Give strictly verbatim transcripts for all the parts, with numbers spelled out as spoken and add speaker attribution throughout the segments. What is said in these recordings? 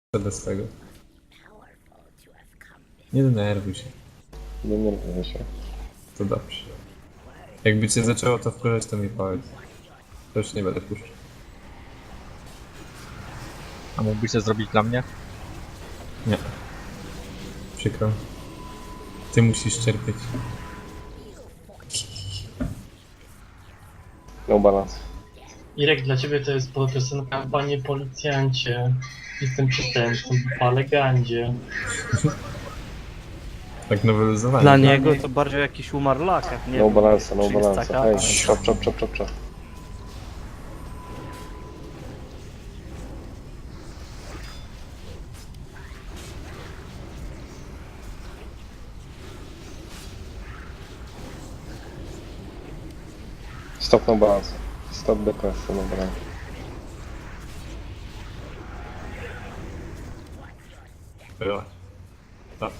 Speaker 1: Bez tego. Nie denerwuj się.
Speaker 2: Nie denerwuję się.
Speaker 1: To dobrze. Jakby cię zaczęło to wkurzać, to mi powiedz. To już nie będę puszczał.
Speaker 3: A mógłbyś to zrobić dla mnie?
Speaker 1: Nie. Przykro. Ty musisz cierpieć.
Speaker 2: No balans.
Speaker 4: Irek, dla ciebie to jest piosenka Panie Policjancie. Jestem przestępcą po legandzie.
Speaker 1: Tak nowelizowanie.
Speaker 5: Dla niego to bardziej jakiś umarlak, jak nie
Speaker 2: No
Speaker 5: wiem,
Speaker 2: balansa, no
Speaker 5: czy jest
Speaker 2: balansa.
Speaker 5: taka-
Speaker 2: Hej, czop, czop, czop, czop, czop. Stop, no balans. Stop the quest, no balans.
Speaker 1: Była. Dobrze.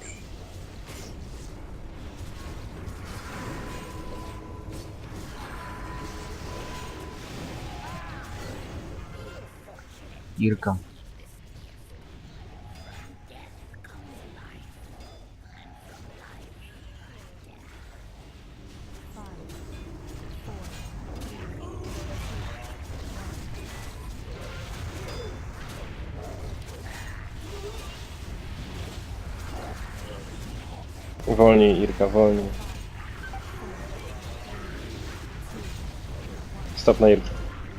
Speaker 3: Irka.
Speaker 2: Wolniej, Irka, wolniej. Stop na Irkę.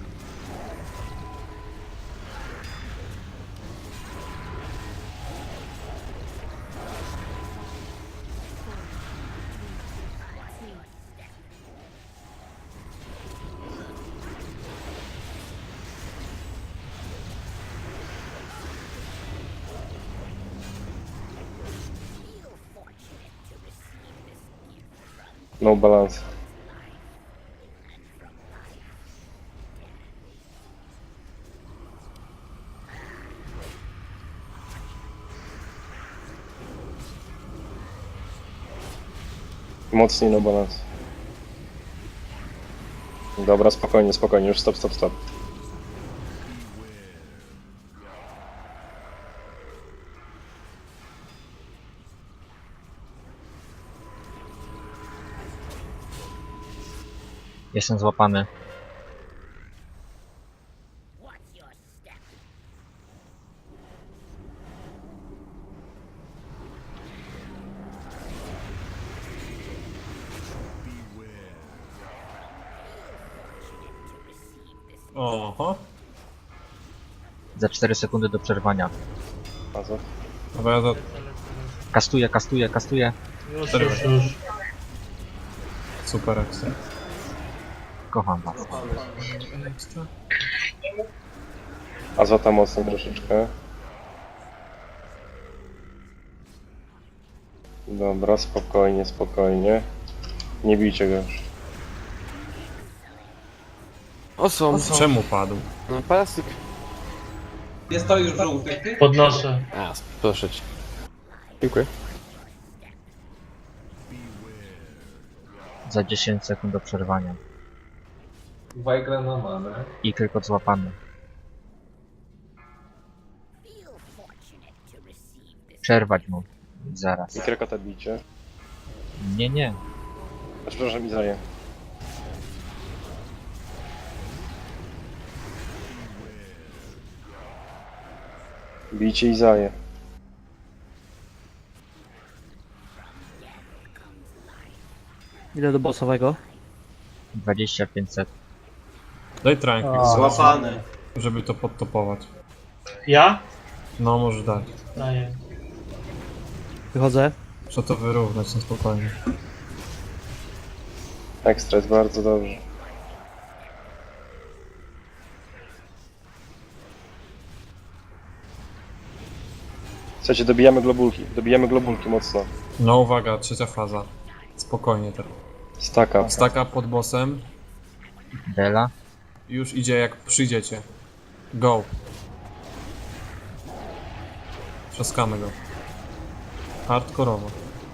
Speaker 2: No balans. Mocniej no balans. Dobra, spokojnie, spokojnie, już stop, stop, stop.
Speaker 3: Jestem złapany.
Speaker 1: Oho.
Speaker 3: Za cztery sekundy do przerwania.
Speaker 2: A co?
Speaker 1: Dobra, ja za...
Speaker 3: Kastuję, kastuję, kastuję.
Speaker 4: Już, już, już.
Speaker 1: Super akcja.
Speaker 3: Kocham was.
Speaker 2: Azota mocno troszeczkę. Dobra, spokojnie, spokojnie. Nie bijcie go już.
Speaker 6: O są,
Speaker 1: Czemu padł?
Speaker 6: no plastik.
Speaker 7: Jest to już żółty, ty?
Speaker 4: Podnoszę.
Speaker 6: A, proszę cię. Dziękuję.
Speaker 3: Za dziesięć sekund do przerwania.
Speaker 7: Wajgra na manę.
Speaker 3: I tylko złapany. Przerwać mu. Zaraz.
Speaker 2: I krekota bijcie.
Speaker 3: Nie, nie.
Speaker 2: A przepraszam, Izraję. Bijcie Izaję.
Speaker 5: Ile do bossowego?
Speaker 3: dwadzieścia pięć sekund.
Speaker 1: Daj tranquil,
Speaker 7: Złapany.
Speaker 1: żeby to podtopować.
Speaker 4: Ja?
Speaker 1: No, może dać.
Speaker 4: Daję.
Speaker 5: Wychodzę.
Speaker 1: Trzeba to wyrównać na spokojnie.
Speaker 2: Ekstra, jest bardzo dobrze. Słuchajcie, dobijamy globulki. Dobijamy globulki mocno.
Speaker 1: No uwaga, trzecia faza. Spokojnie teraz.
Speaker 2: Staka.
Speaker 1: Staka pod bossem.
Speaker 3: Dela.
Speaker 1: Już idzie jak przyjdziecie. Go. Trzaskamy go. Hardkorowo.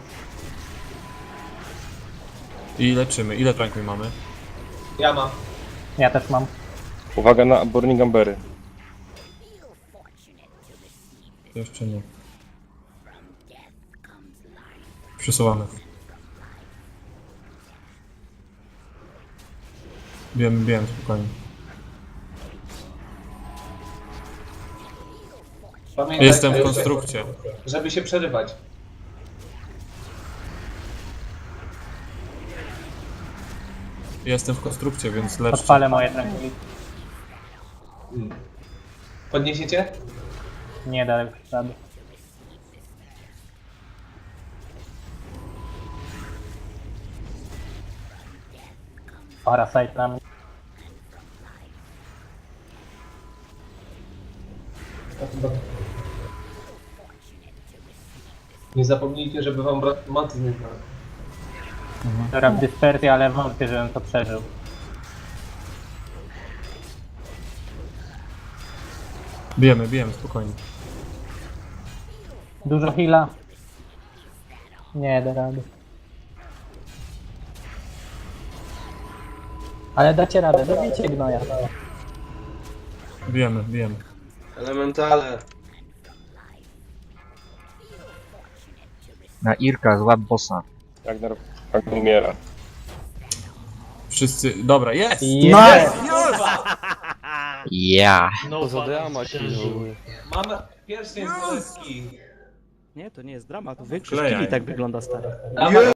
Speaker 1: I leczymy. Ile tranquil mamy?
Speaker 7: Ja mam.
Speaker 5: Ja też mam.
Speaker 2: Uwaga na Burning Ambery.
Speaker 1: Jeszcze nie. Przesuwamy. Bijemy, bijemy, spokojnie.
Speaker 7: Pamiętaj,
Speaker 1: Jestem w
Speaker 7: żeby-
Speaker 1: konstrukcie.
Speaker 7: Żeby się przerywać.
Speaker 1: Jestem w konstrukcie, więc leczcie.
Speaker 5: Odpalę moje tranquility.
Speaker 7: Podniesiecie?
Speaker 5: Nie da już rady. Parasite na mnie.
Speaker 7: Nie zapomnijcie, żeby wam brat maty nie brał.
Speaker 5: Dobra, w dyspersji, ale wątpię, żebym to przeżył.
Speaker 1: Bijemy, bijemy, spokojnie.
Speaker 5: Dużo heala. Nie da rady. Ale dacie radę, dobijcie gnoja.
Speaker 1: Bijemy, bijemy.
Speaker 7: Elementale.
Speaker 3: Na Irka, złap bossa.
Speaker 2: Ragnar tak umiera.
Speaker 1: Wszyscy... Dobra, jest!
Speaker 5: Nice!
Speaker 3: Ja.
Speaker 4: No,
Speaker 6: To za
Speaker 4: balans
Speaker 6: drama
Speaker 4: przeżył.
Speaker 7: Mamy pierwszy z Polski.
Speaker 5: Nie, to nie jest dramat. Wy
Speaker 1: Wklejaj.
Speaker 5: i tak wygląda stary.
Speaker 7: Dawaj,